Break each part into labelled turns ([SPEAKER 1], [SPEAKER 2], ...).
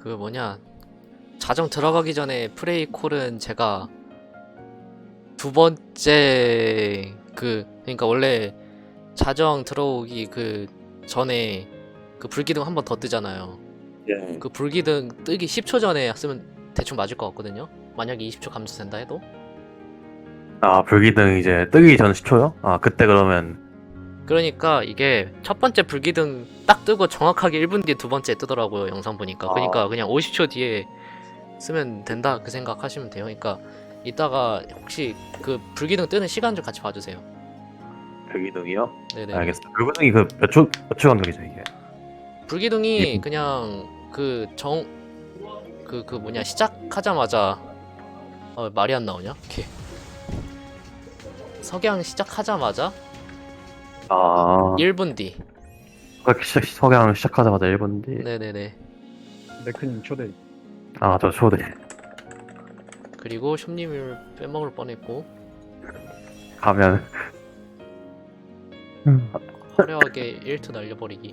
[SPEAKER 1] 그 뭐냐, 자정 들어가기 전에 프레이 콜은 제가 두 번째 그러니까 원래 자정 들어오기 그 전에 그 불기둥 한 번 더 뜨잖아요.
[SPEAKER 2] 예.
[SPEAKER 1] 그 불기둥 뜨기 10초 전에 쓰면 대충 맞을 것 같거든요. 만약에 20초 감소된다 해도.
[SPEAKER 2] 아, 불기둥 이제 뜨기 전 10초요? 아, 그때 그러면,
[SPEAKER 1] 그러니까 이게 첫 번째 불기둥 딱 뜨고 정확하게 1분 뒤에 두 번째 뜨더라고요, 영상 보니까. 그러니까
[SPEAKER 2] 아,
[SPEAKER 1] 그냥 50초 뒤에 쓰면 된다 그 생각하시면 돼요. 그러니까 이따가 혹시 그 불기둥 뜨는 시간 좀 같이 봐주세요.
[SPEAKER 2] 불기둥이요?
[SPEAKER 1] 네네네.
[SPEAKER 2] 알겠습니다. 불기둥이 그 몇 초 간격이죠, 이게?
[SPEAKER 1] 불기둥이
[SPEAKER 2] 2분.
[SPEAKER 1] 그냥 그 뭐냐, 시작하자마자 말이 안 나오냐? 오케이. 석양 시작하자마자
[SPEAKER 2] 아,
[SPEAKER 1] 1분 뒤.
[SPEAKER 2] 석양 시작하자마자 1분 뒤.
[SPEAKER 1] 네네네.
[SPEAKER 3] 네크님 초대.
[SPEAKER 2] 아, 저 초대.
[SPEAKER 1] 그리고 숍님을 빼먹을 뻔했고
[SPEAKER 2] 가면.
[SPEAKER 1] 화려하게 1투 날려버리기.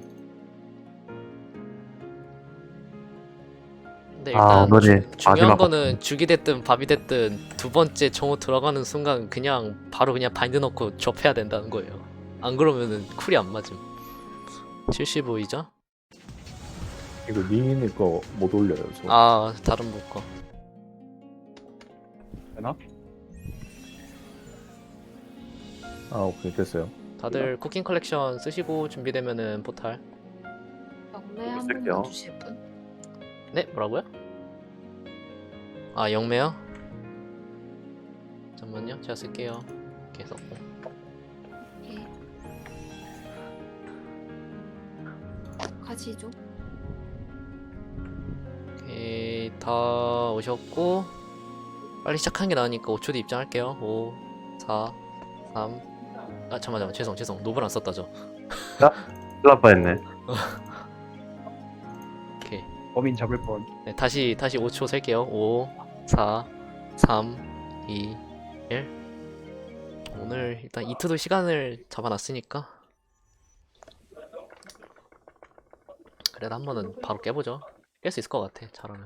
[SPEAKER 1] 근데
[SPEAKER 2] 아,
[SPEAKER 1] 일단
[SPEAKER 2] 오늘이
[SPEAKER 1] 중요한
[SPEAKER 2] 마지막
[SPEAKER 1] 거는 죽이 됐든 밥이 됐든 두 번째 정오 들어가는 순간 그냥 바로 그냥 바인드 넣고 접해야 된다는 거예요. 안 그러면은 쿨이 안 맞음. 75이죠?
[SPEAKER 4] 이거 니네 거 못 올려요. 저.
[SPEAKER 1] 아, 다른 분 거.
[SPEAKER 3] 되나?
[SPEAKER 4] 아 오케이 됐어요.
[SPEAKER 1] 다들 쿠킹 컬렉션 쓰시고 준비되면은 포탈.
[SPEAKER 5] 영매 한
[SPEAKER 2] 쓸게요.
[SPEAKER 5] 번만 주실 분?
[SPEAKER 1] 네? 뭐라고요? 아, 영매요? 잠깐만요. 제가 쓸게요. 이렇게 썼고.
[SPEAKER 5] 예. 가시죠.
[SPEAKER 1] 오케이, 다 오셨고 빨리 시작하는 게 나으니까 5초 뒤 입장할게요. 5, 4, 3. 아, 잠깐만. 죄송. 노블 안 썼다 저.
[SPEAKER 2] 큰일 날 뻔했네.
[SPEAKER 1] 오케이.
[SPEAKER 3] 범인 잡을 뻔.
[SPEAKER 1] 네, 다시 5초 셀게요. 5, 4, 3, 2, 1. 오늘 일단 이트도 시간을 잡아놨으니까 그래도 한 번은 바로 깨보죠. 깰 수 있을 것 같아. 잘하면.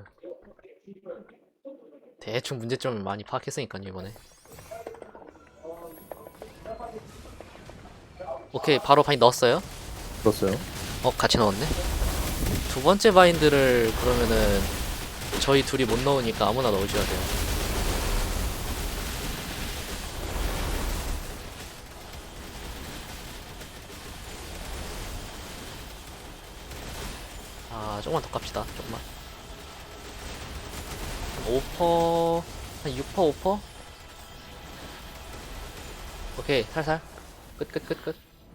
[SPEAKER 1] 대충 문제점을 많이 파악했으니까요 이번에. 오케이, 바로 바인드 넣었어요.
[SPEAKER 4] 들었어요?
[SPEAKER 1] 같이 넣었네. 두 번째 바인드를 그러면은 저희 둘이 못 넣으니까 아무나 넣으셔야 돼요. 아, 조금만 더 깝시다. 조금만. 한 5%, 한 6%, 5%? 오케이, 살살. 끝.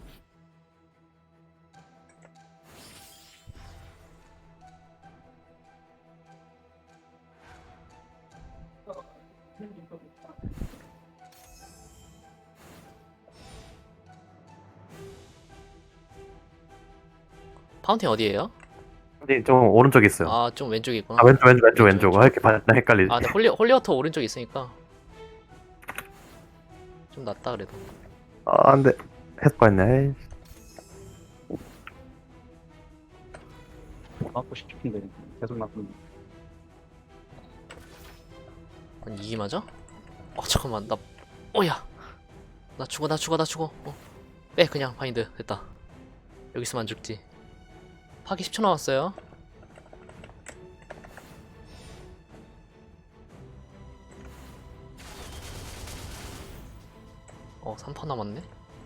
[SPEAKER 1] 파운틴 어디에요?
[SPEAKER 2] 근데 좀 오른쪽에 있어요.
[SPEAKER 1] 아, 좀 왼쪽에 있구나.
[SPEAKER 2] 아, 왼쪽. 아, 이렇게 나 헷갈리지.
[SPEAKER 1] 아, 네, 홀리워터 오른쪽에 있으니까 좀 낫다 그래도.
[SPEAKER 2] 아, 안 돼. 패스 뻔했네.
[SPEAKER 3] 맞고 싶은데 계속 맞고.
[SPEAKER 1] 아니, 이게 맞아? 잠깐만, 오야! 나 죽어. 빼, 그냥, 바인드. 됐다. 여기 있으면 안 죽지. 파기 10초 남았어요. 어, 3퍼 남았네?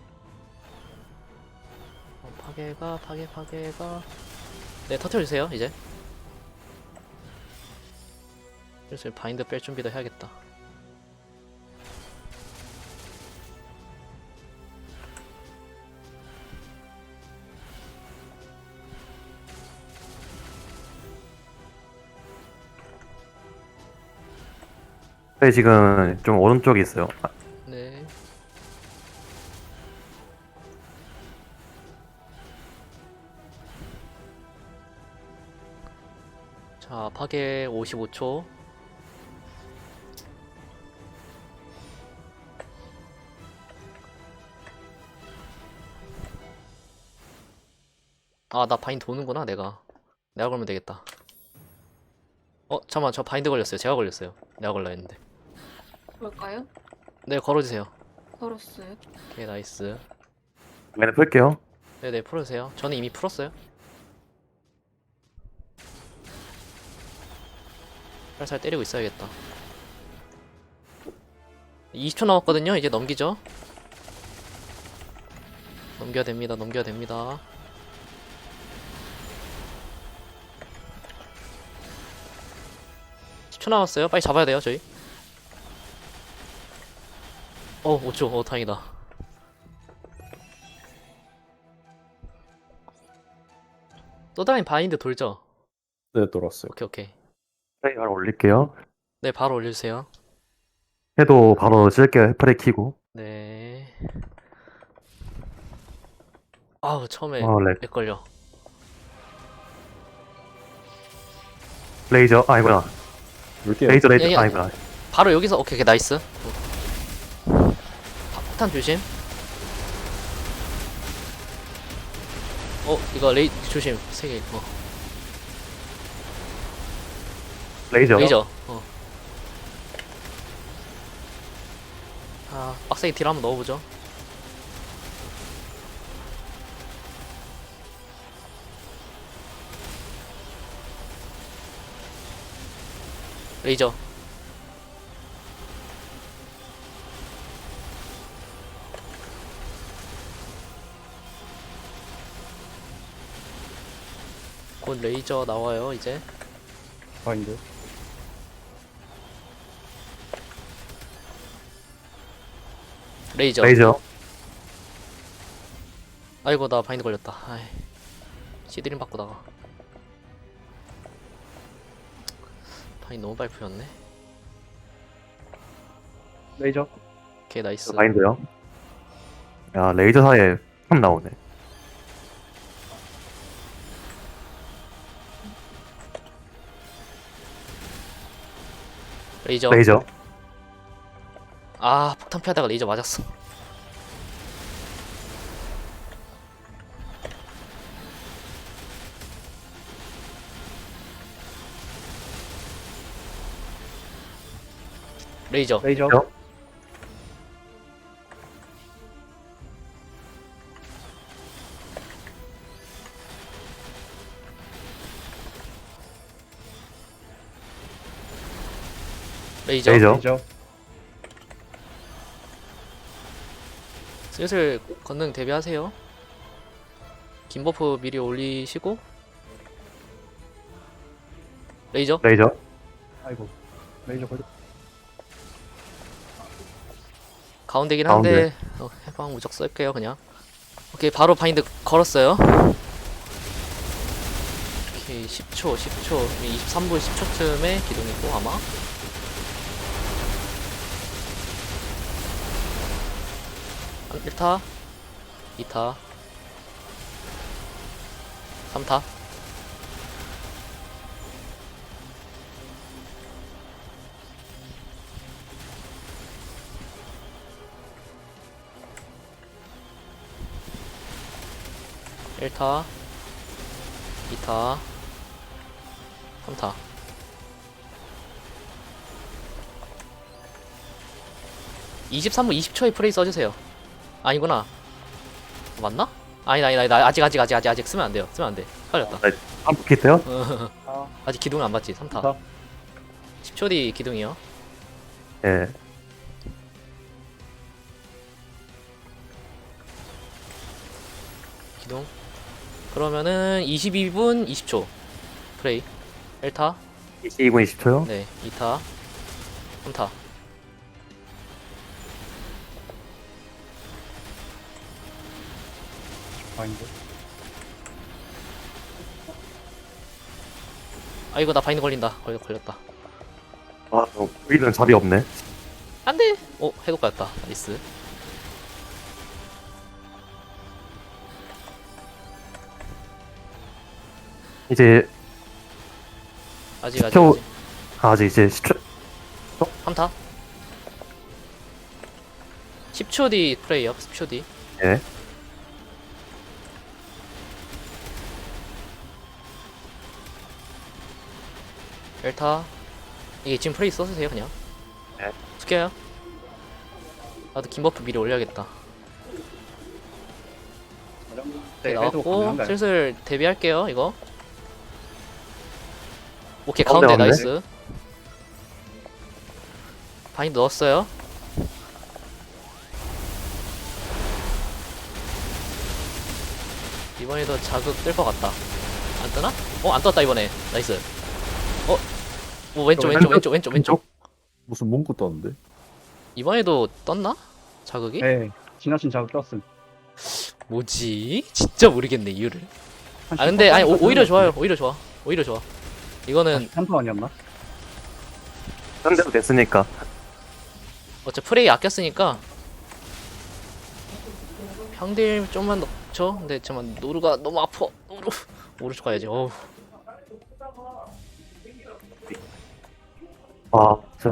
[SPEAKER 1] 파괴가. 네, 터트려주세요, 이제. 그래서 바인드 뺄 준비도 해야겠다.
[SPEAKER 2] 네, 지금 좀 오른쪽에 있어요. 아,
[SPEAKER 1] 네. 자, 파괴 55초. 아, 나 바인 도는구나, 내가 그러면 되겠다. 잠깐만, 저 바인드 걸렸어요. 제가 걸렸어요. 내가 걸라 했는데.
[SPEAKER 5] 볼까요?
[SPEAKER 1] 네, 걸어주세요.
[SPEAKER 5] 걸었어요.
[SPEAKER 1] 오케이, 나이스.
[SPEAKER 2] 얘네 풀게요.
[SPEAKER 1] 네네, 풀으세요. 저는 이미 풀었어요. 살살 때리고 있어야겠다. 20초 남았거든요. 이제 넘기죠. 넘겨야 됩니다. 넘겨야 됩니다. 초 남았어요. 빨리 잡아야 돼요, 저희. 5초. 다행이다. 또다니 바인드 돌죠?
[SPEAKER 4] 네, 돌았어요.
[SPEAKER 1] 오케이.
[SPEAKER 2] 프레이 바로 올릴게요.
[SPEAKER 1] 네, 바로 올려주세요.
[SPEAKER 2] 해도 바로 쓸게요. 프레이 키고.
[SPEAKER 1] 네. 아우, 처음에
[SPEAKER 2] 렉.
[SPEAKER 1] 렉 걸려.
[SPEAKER 2] 레이저. 아니구나.
[SPEAKER 4] 물게요.
[SPEAKER 2] 레이저.
[SPEAKER 1] 야, 야.
[SPEAKER 2] 아니구나.
[SPEAKER 1] 바로 여기서, 오케이, 나이스. 폭탄 조심. 이거 조심. 3개.
[SPEAKER 2] 레이저.
[SPEAKER 1] 레이저. 빡세게 딜 한번 넣어보죠. 레이저. 곧 레이저 나와요, 이제.
[SPEAKER 3] 바인드.
[SPEAKER 1] 레이저.
[SPEAKER 2] 레이저.
[SPEAKER 1] 아이고, 나 바인드 걸렸다. 아이. 시드림 바꾸다가. 바인드 너무 빨리 풀렸네.
[SPEAKER 3] 레이저.
[SPEAKER 1] 오케이, 나이스.
[SPEAKER 2] 바인드요. 야, 레이저 사이에 참 나오네.
[SPEAKER 1] 레이저.
[SPEAKER 2] 레이저.
[SPEAKER 1] 폭탄 피하다가 레이저 맞았어. 레이저.
[SPEAKER 3] 레이저.
[SPEAKER 2] 저?
[SPEAKER 1] 레이저.
[SPEAKER 2] 레이저.
[SPEAKER 3] 레이저.
[SPEAKER 1] 슬슬 건능 대비하세요. 긴 버프 미리 올리시고. 레이저.
[SPEAKER 2] 레이저.
[SPEAKER 3] 아이고. 레이저 걸려.
[SPEAKER 1] 가운데긴 한데 해방 무적 쓸게요 그냥. 오케이, 바로 바인드 걸었어요. 오케이, 10초 23분 10초쯤에 기동이고 아마. 한 1타 2타 3타. 일타 2타 3타. (23분 20초에) 프레이 써주세요. 아니구나. 맞나? 아니다. 아직 쓰면 안 돼요. 쓰면 안 돼. 헷갈렸다.
[SPEAKER 2] 한번 키트요?
[SPEAKER 3] 아.
[SPEAKER 1] 아직 기둥은 안 받지. 3타.
[SPEAKER 3] 3타.
[SPEAKER 1] 10초 뒤 기둥이요.
[SPEAKER 2] 예.
[SPEAKER 1] 기둥. 그러면은 22분 20초. 프레이. 1타.
[SPEAKER 2] 22분 20초요?
[SPEAKER 1] 네. 2타. 3타.
[SPEAKER 3] 바인드.
[SPEAKER 1] 아이고, 나 바인드 걸린다. 걸렸다.
[SPEAKER 2] 아, 우리는 잡이 없네.
[SPEAKER 1] 안돼. 해독 갔다. 나이스.
[SPEAKER 2] 이제
[SPEAKER 1] 아직
[SPEAKER 2] 10초. 아직 이제 10초.
[SPEAKER 1] 3타. 10초 뒤 프레이요. 10초 뒤.
[SPEAKER 2] 예.
[SPEAKER 1] 델타. 이게 지금 프레이 써주세요 그냥.
[SPEAKER 2] 네.
[SPEAKER 1] 숙여요. 나도 긴 버프 미리 올려야겠다.
[SPEAKER 3] 네,
[SPEAKER 1] 오케이,
[SPEAKER 3] 해도
[SPEAKER 1] 나왔고
[SPEAKER 3] 가능한가요?
[SPEAKER 1] 슬슬 데뷔할게요 이거. 오케이
[SPEAKER 2] 가운데
[SPEAKER 1] 가운데
[SPEAKER 2] 갔네.
[SPEAKER 1] 나이스. 바인드 넣었어요. 이번에도 자극 뜰 것 같다. 안 뜨나? 안 떴다 이번에. 나이스. 왼쪽 왼쪽 왼쪽 왼쪽 왼쪽.
[SPEAKER 4] 무슨 문구 떴는데?
[SPEAKER 1] 이번에도 떴나? 자극이?
[SPEAKER 3] 네, 지나친 자극 떴음.
[SPEAKER 1] 뭐지? 진짜 모르겠네 이유를.
[SPEAKER 3] 한
[SPEAKER 1] 아 근데 아니
[SPEAKER 3] 10%
[SPEAKER 1] 오히려
[SPEAKER 3] 떴는데.
[SPEAKER 1] 좋아요. 오히려 좋아. 오히려 좋아. 이거는
[SPEAKER 3] 3% 아니었나?
[SPEAKER 2] 현대도 됐으니까.
[SPEAKER 1] 어차피 프레이 아꼈으니까 평딜 좀만 넣죠. 근데 잠깐 노루가 너무 아파. 노루 오른쪽 가야지. 어우.
[SPEAKER 2] 아, 진짜.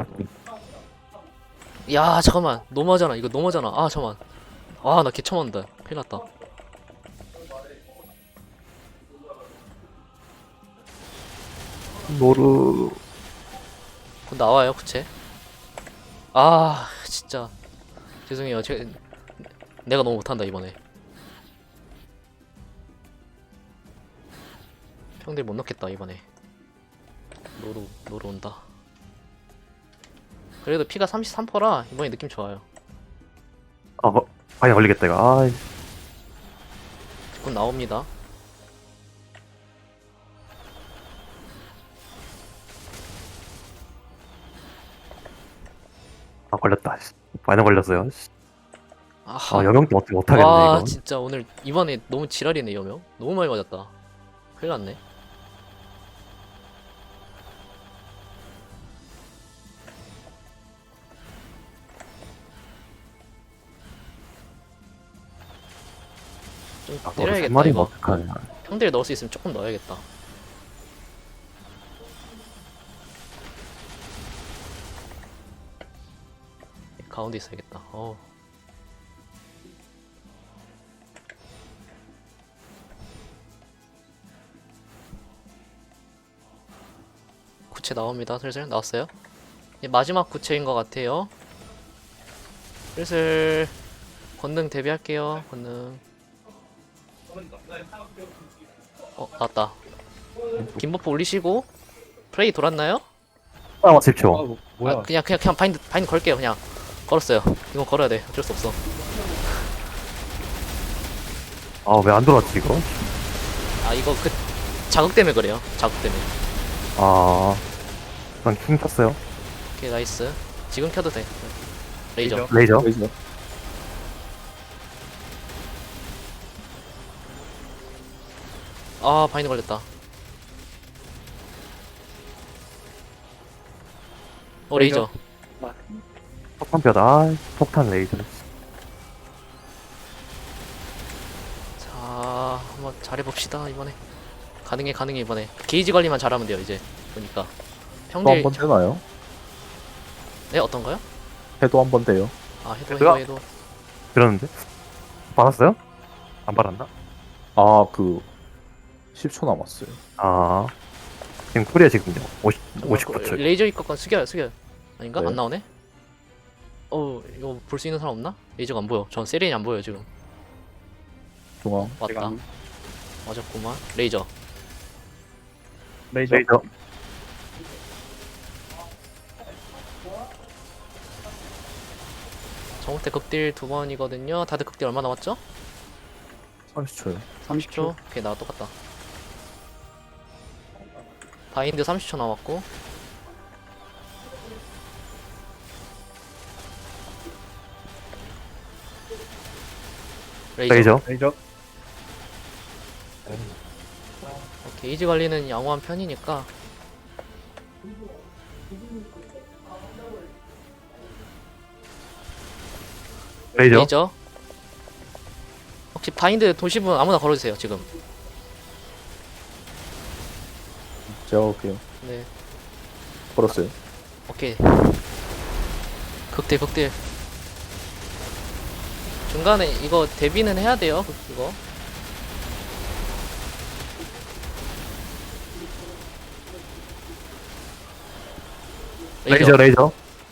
[SPEAKER 1] 야 잠깐만 너무하잖아. 이거 너무하잖아. 아 잠깐만. 아 나 개처만다. 큰일 났다.
[SPEAKER 2] 노루.
[SPEAKER 1] 곧 나와요 구체. 아 진짜 죄송해요. 내가 너무 못한다 이번에. 평딜 못 넣겠다 이번에. 노루 온다. 그래도 피가 33%라 이번에 느낌 좋아요.
[SPEAKER 2] 아, 많이 걸리겠다, 이거. 아,
[SPEAKER 1] 곧 나옵니다.
[SPEAKER 2] 걸렸다. 씨. 많이 걸렸어요. 씨.
[SPEAKER 1] 아하.
[SPEAKER 2] 아, 영영도 어떻게 못하겠네,
[SPEAKER 1] 와
[SPEAKER 2] 이거.
[SPEAKER 1] 진짜 오늘 이번에 너무 지랄이네 여명. 너무 많이 맞았다. 큰일 났네. 좀
[SPEAKER 2] 아,
[SPEAKER 1] 때려야겠다
[SPEAKER 2] 마리
[SPEAKER 1] 이거.
[SPEAKER 2] 어떡하냐.
[SPEAKER 1] 평딜 넣을 수 있으면 조금 넣어야겠다. 가운데 있어야겠다. 구체 나옵니다. 슬슬 나왔어요. 이제 마지막 구체인 것 같아요. 슬슬 권능 데뷔할게요. 권능. 나왔다. 김버프 올리시고 프레이 돌았나요?
[SPEAKER 2] 아, 10초.
[SPEAKER 3] 아, 뭐야?
[SPEAKER 1] 아, 그냥 바인드 걸게요. 그냥 걸었어요. 이거 걸어야 돼. 어쩔 수 없어.
[SPEAKER 2] 아, 왜 안 들어왔지, 이거?
[SPEAKER 1] 아 이거 그 자극 때문에 그래요. 자극 때문에.
[SPEAKER 2] 아, 난 킹 탔어요.
[SPEAKER 1] 오케이 나이스. 지금 켜도 돼. 레이저.
[SPEAKER 2] 레이저.
[SPEAKER 4] 레이저.
[SPEAKER 1] 아 바인드 걸렸다. 레이저.
[SPEAKER 2] 폭탄뼈다. 아, 폭탄 레이저.
[SPEAKER 1] 자 한번 잘해봅시다 이번에. 가능해 이번에. 게이지 관리만 잘하면 돼요 이제. 보니까.
[SPEAKER 4] 또 한
[SPEAKER 1] 평딜.
[SPEAKER 4] 번 되나요?
[SPEAKER 1] 네 어떤가요?
[SPEAKER 4] 해도 한 번 돼요.
[SPEAKER 1] 아
[SPEAKER 2] 그거?
[SPEAKER 1] 해도.
[SPEAKER 2] 들었는데? 받았어요? 안 받았나?
[SPEAKER 4] 아, 그 10초 남았어요.
[SPEAKER 2] 아, 지금 쿨이야, 지금요. 59초.
[SPEAKER 1] 레이저 입각관 숙여요. 아닌가?
[SPEAKER 4] 네.
[SPEAKER 1] 안 나오네? 이거 볼 수 있는 사람 없나? 레이저가 안 보여. 전 세린이 안 보여 지금.
[SPEAKER 4] 중앙.
[SPEAKER 1] 왔다.
[SPEAKER 3] 제가
[SPEAKER 1] 맞았구만. 레이저.
[SPEAKER 3] 레이저.
[SPEAKER 2] 레이저.
[SPEAKER 1] 정우태 극딜 2번이거든요. 다들 극딜 얼마 남았죠?
[SPEAKER 4] 30초요.
[SPEAKER 3] 30초.
[SPEAKER 1] 오케이 나 똑같다. 바인드 30초 남았고.
[SPEAKER 2] 레이저.
[SPEAKER 3] 레이저.
[SPEAKER 1] 게이지 관리는 양호한 편이니까.
[SPEAKER 2] 레이저.
[SPEAKER 1] 레이저. 혹시 바인드 도시분 아무나 걸어주세요 지금.
[SPEAKER 4] 제가 올게요.
[SPEAKER 1] 네.
[SPEAKER 4] 걸었어요.
[SPEAKER 1] 오케이. 극딜. 중간에 이거 데뷔는 해야 돼요. 이거.
[SPEAKER 2] 레이저.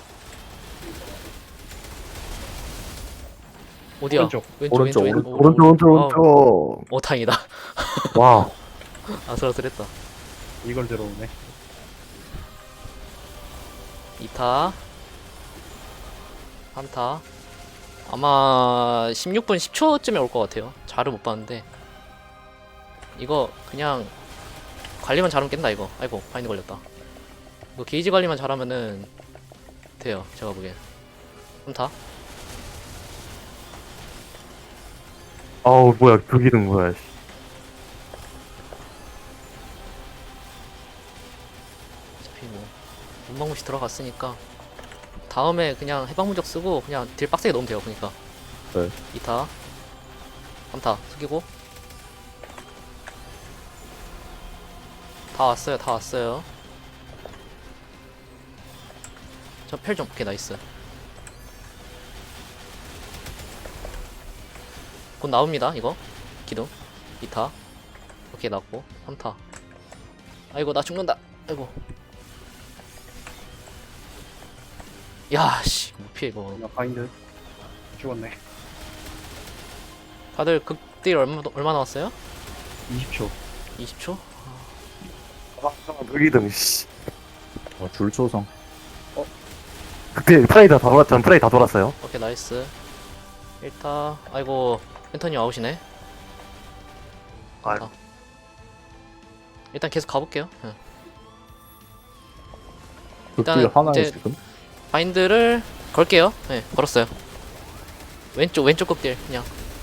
[SPEAKER 1] 어디야?
[SPEAKER 3] 오른쪽.
[SPEAKER 4] 오른쪽,
[SPEAKER 2] 오른쪽.
[SPEAKER 1] 다행이다.
[SPEAKER 2] 와.
[SPEAKER 1] 아슬아슬했다.
[SPEAKER 3] 이걸 들어오네.
[SPEAKER 1] 2타 3타 아마 16분 10초쯤에 올 것 같아요. 잘은 못 봤는데 이거 그냥 관리만 잘하면 깬다 이거. 아이고 바인드 걸렸다. 이거 게이지 관리만 잘하면은 돼요 제가 보기엔. 3타
[SPEAKER 2] 아우 뭐야 불기둥 뭐야. 씨.
[SPEAKER 1] 어차피 뭐 문방무시 들어갔으니까 다음에 그냥 해방무적 쓰고 그냥 딜 빡세게 넣으면 돼요. 그니까
[SPEAKER 4] 네.
[SPEAKER 1] 2타 3타 숙이고 다 왔어요. 저 펠 좀 오케이 나이스. 곧 나옵니다 이거 기둥. 2타 오케이 나왔고 3타 아이고 나 죽는다. 아이고 야씨 못 피해 이거.
[SPEAKER 3] 나 바인드. 죽었네.
[SPEAKER 1] 다들 극딜 얼마 나왔어요?
[SPEAKER 3] 20초.
[SPEAKER 1] 20초?
[SPEAKER 2] 불기둥. 씨.
[SPEAKER 4] 줄초성.
[SPEAKER 2] 그때 프레이 다 돌았잖아. 프레이 다 돌았어요.
[SPEAKER 1] 오케이 나이스 1타 아이고 펜터님 아웃이네.
[SPEAKER 2] 아이고.
[SPEAKER 1] 일단 계속 가볼게요. 응.
[SPEAKER 4] 극딜
[SPEAKER 1] 일단은
[SPEAKER 4] 하나에
[SPEAKER 1] 이제-
[SPEAKER 4] 지금?
[SPEAKER 1] 바인드를 걸게요. 네 걸었어요. 왼쪽 극딜 그냥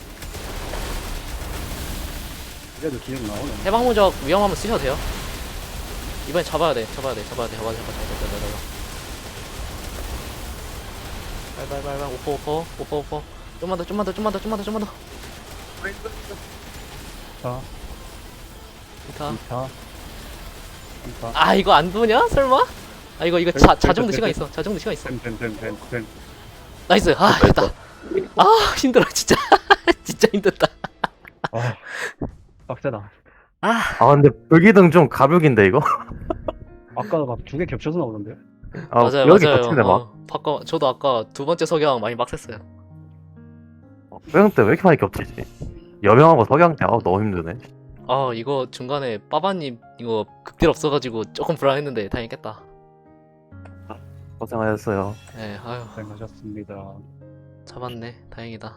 [SPEAKER 3] 그래도 기억 나오네.
[SPEAKER 1] 해방무적 위험하면 쓰셔도 돼요. 이번엔 잡아야 돼. 잡아. 빨빨빨빨 오퍼. 좀만 더.
[SPEAKER 3] 자,
[SPEAKER 1] 2타.
[SPEAKER 3] 2타. 3타.
[SPEAKER 1] 아 이거 안 도냐? 설마? 아 이거 자정도 시간 있어.
[SPEAKER 3] 됨.
[SPEAKER 1] 나이스. 아 됐다. 아 힘들어 진짜. 진짜 힘들다.
[SPEAKER 3] 아, 빡세다.
[SPEAKER 2] 아 근데 불기둥 좀 가볍긴데 이거.
[SPEAKER 3] 아까 막 두 개 겹쳐서 나오던데요?
[SPEAKER 2] 아,
[SPEAKER 1] 맞아요.
[SPEAKER 2] 여기 겹치네 막.
[SPEAKER 1] 저도 아까 두 번째 석양 많이 빡셌어요.
[SPEAKER 2] 석양 때 왜 이렇게 많이 겹치지? 여명하고 석양 때 너무 힘드네.
[SPEAKER 1] 아 이거 중간에 빠바님 이거 극딜 없어가지고 조금 불안했는데 다행히 깼다.
[SPEAKER 2] 고생하셨어요.
[SPEAKER 1] 네 아유
[SPEAKER 3] 고생하셨습니다.
[SPEAKER 1] 잡았네. 다행이다.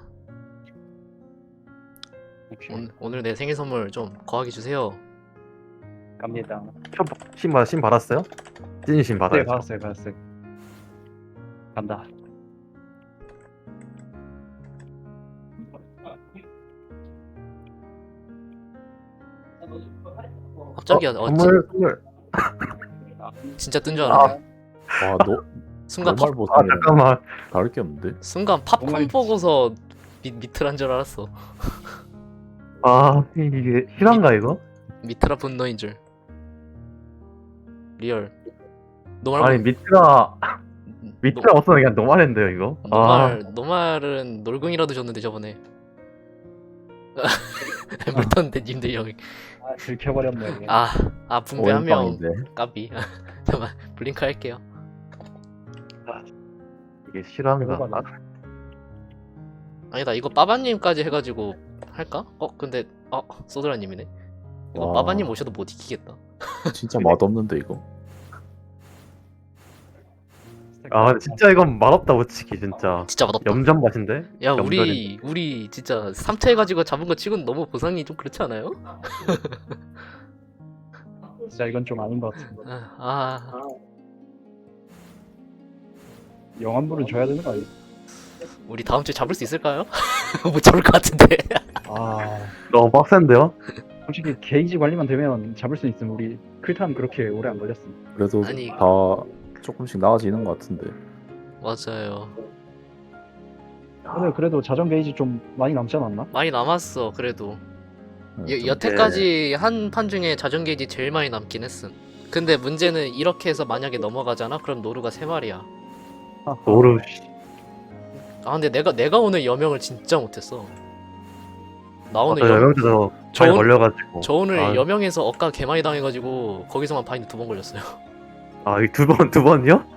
[SPEAKER 3] 혹시
[SPEAKER 1] 오늘 내 생일 선물 좀 거하게 주세요.
[SPEAKER 3] 갑니다.
[SPEAKER 2] 신 받았어요? 찐신 받아요.
[SPEAKER 3] 네, 받았어요. 간다.
[SPEAKER 1] 갑자기
[SPEAKER 2] 선물.
[SPEAKER 1] 진짜 뜬 줄 알았네.
[SPEAKER 4] 와, 너
[SPEAKER 1] 순간
[SPEAKER 4] normal
[SPEAKER 2] 아
[SPEAKER 4] 버튼이랑
[SPEAKER 2] 잠깐만.
[SPEAKER 4] 다를 게 없는데?
[SPEAKER 1] 순간 팝콘
[SPEAKER 3] 정말
[SPEAKER 1] 보고서 미트란 줄 알았어.
[SPEAKER 2] 아 이게 실화인가 이거?
[SPEAKER 1] 미트라 분노인 줄. 리얼. 노말
[SPEAKER 2] 아니 미트가 없으면 그냥 노말인데요 이거.
[SPEAKER 1] 노말은 놀궁이라도 줬는데 저번에. 물턴데 님들 형.
[SPEAKER 3] 아, 들켜버렸네.
[SPEAKER 1] 아 붕대 한 명
[SPEAKER 4] 오인빵인데.
[SPEAKER 1] 까비. 잠깐 블링크 할게요.
[SPEAKER 2] 이게 실화인가?
[SPEAKER 3] 이거 맞아.
[SPEAKER 1] 아니다 이거 빠바님까지 해가지고 할까? 근데 소드라님이네. 이거
[SPEAKER 4] 와.
[SPEAKER 1] 빠바님 오셔도 못 이기겠다.
[SPEAKER 4] 진짜 맛없는데 이거?
[SPEAKER 2] 아 근데 진짜 이건 맛없다 솔직히 진짜.
[SPEAKER 1] 진짜 맛없다.
[SPEAKER 2] 염전 맛인데?
[SPEAKER 1] 야
[SPEAKER 2] 염전이.
[SPEAKER 1] 우리 진짜 3차 해가지고 잡은 거 치고는 너무 보상이 좀 그렇지 않아요?
[SPEAKER 3] 진짜 이건 좀 아닌 것 같은데. 영환불을 줘야 되는 거 아니야?
[SPEAKER 1] 우리 다음 주에 잡을 수 있을까요? 못 잡을 것 같은데.
[SPEAKER 3] 아,
[SPEAKER 2] 너무 빡센데요?
[SPEAKER 3] 솔직히 게이지 관리만 되면 잡을 수 있으면 우리 클탄 그렇게 오래 안 걸렸어.
[SPEAKER 4] 그래도
[SPEAKER 1] 아니.
[SPEAKER 4] 다 조금씩 나아지는 것 같은데.
[SPEAKER 1] 맞아요.
[SPEAKER 3] 오늘 그래도 자전 게이지 좀 많이 남지 않았나?
[SPEAKER 1] 많이 남았어 그래도.
[SPEAKER 4] 좀
[SPEAKER 1] 여태까지 한 판 중에 자전 게이지 제일 많이 남긴 했음. 근데 문제는 이렇게 해서 만약에 넘어가잖아? 그럼 노루가 3마리야.
[SPEAKER 2] 노루.
[SPEAKER 1] 아 근데 내가 오늘 여명을 진짜 못했어. 나 오늘
[SPEAKER 2] 저 여명에서
[SPEAKER 1] 저
[SPEAKER 2] 많이
[SPEAKER 1] 오늘-
[SPEAKER 2] 걸려가지고.
[SPEAKER 1] 저 오늘
[SPEAKER 2] 아.
[SPEAKER 1] 여명에서 억까 개 많이 당해가지고 거기서만 바인드 2번 걸렸어요.
[SPEAKER 2] 아, 이 두 번이요?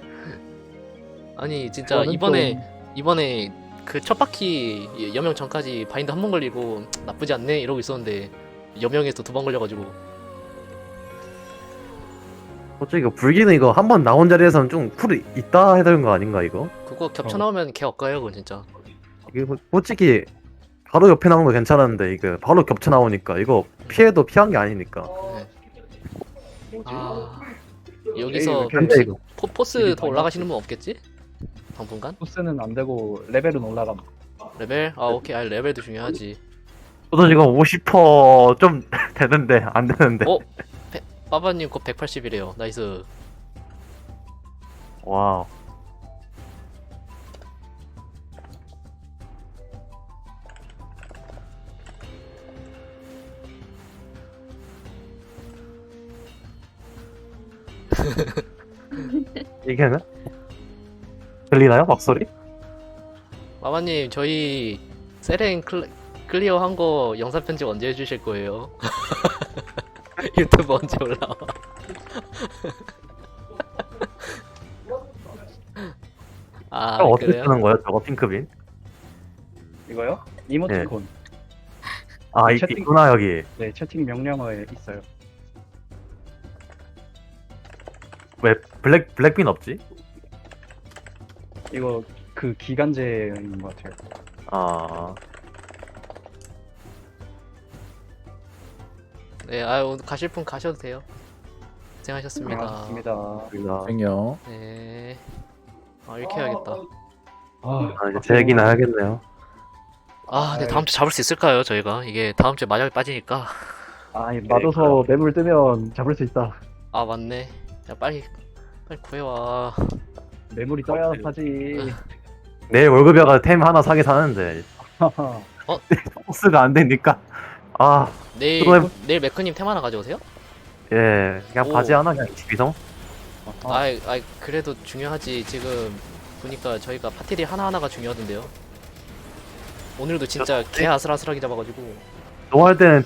[SPEAKER 1] 아니 진짜
[SPEAKER 3] 그거는
[SPEAKER 1] 이번에 그 첫 바퀴 여명 전까지 바인드 한 번 걸리고 나쁘지 않네 이러고 있었는데 여명에서 두 번 걸려가지고
[SPEAKER 2] 솔직히 이거 불기는 이거 한 번 나온 자리에서는 좀 쿨이 있다 해야 되는 거 아닌가 이거?
[SPEAKER 1] 그거 겹쳐 나오면 개 엇가요 그건 진짜.
[SPEAKER 2] 이게 솔직히 바로 옆에 나온 거 괜찮았는데 이게 바로 겹쳐 나오니까 이거 피해도 피한 게 아니니까.
[SPEAKER 1] 네.
[SPEAKER 3] 뭐지?
[SPEAKER 1] 아
[SPEAKER 3] 에이,
[SPEAKER 1] 여기서
[SPEAKER 3] 이렇게
[SPEAKER 2] 근데 이거
[SPEAKER 1] 포스
[SPEAKER 3] 되게
[SPEAKER 1] 더 올라가시는 분 없겠지? 당분간?
[SPEAKER 3] 코스는 안 되고 레벨은 올라감.
[SPEAKER 1] 레벨? 아 오케이. 아 레벨도 중요하지.
[SPEAKER 2] 저도 지금 50%좀 되는데 안 되는데.
[SPEAKER 1] 어? 빠바님 곧 180이래요. 나이스.
[SPEAKER 2] 와우. 이게는? 들리나요? 목소리?
[SPEAKER 1] 빠바님 저희 세렌 클리어 한 거 영상 편집 언제 해주실 거예요? 유튜브 언제 올라와? 아
[SPEAKER 2] 저거 어떻게
[SPEAKER 1] 그래요?
[SPEAKER 2] 쓰는 거예요? 저거 핑크빈?
[SPEAKER 3] 이거요? 이모티콘.
[SPEAKER 2] 아,
[SPEAKER 3] 채팅-
[SPEAKER 2] 있구나 여기.
[SPEAKER 3] 네, 채팅 명령어에 있어요.
[SPEAKER 2] 왜 블랙빈 없지?
[SPEAKER 3] 이거 그 기간제인 것 같아요.
[SPEAKER 2] 아,
[SPEAKER 1] 네, 아 오늘 가실 분 가셔도 돼요. 고생하셨습니다.
[SPEAKER 3] 맞습니다.
[SPEAKER 2] 우리가
[SPEAKER 4] 안녕.
[SPEAKER 1] 네. 아 이렇게 해야겠다.
[SPEAKER 3] 아,
[SPEAKER 2] 이제 제 얘기나 해야겠네요.
[SPEAKER 1] 아, 근데 다음 주 잡을 수 있을까요, 저희가? 이게 다음 주에 마작이 빠지니까.
[SPEAKER 3] 아, 맞아서 매물 뜨면 잡을 수 있다.
[SPEAKER 1] 아, 맞네. 야, 빨리 구해와.
[SPEAKER 3] 매물이 떠야 하지.
[SPEAKER 2] 내일 월급여가 템 하나 사게 사는데 포스가 안 되니까. 아,
[SPEAKER 1] 내일
[SPEAKER 2] 그거
[SPEAKER 1] 내일 매크님 템 하나 가져오세요?
[SPEAKER 2] 예, 그냥
[SPEAKER 1] 오.
[SPEAKER 2] 바지 하나 그냥 집이성.
[SPEAKER 1] 아이 그래도 중요하지. 지금 보니까 저희가 파티리 하나하나가 중요하던데요. 오늘도 진짜 개 아슬아슬하게 잡아가지고.
[SPEAKER 2] 노할 때는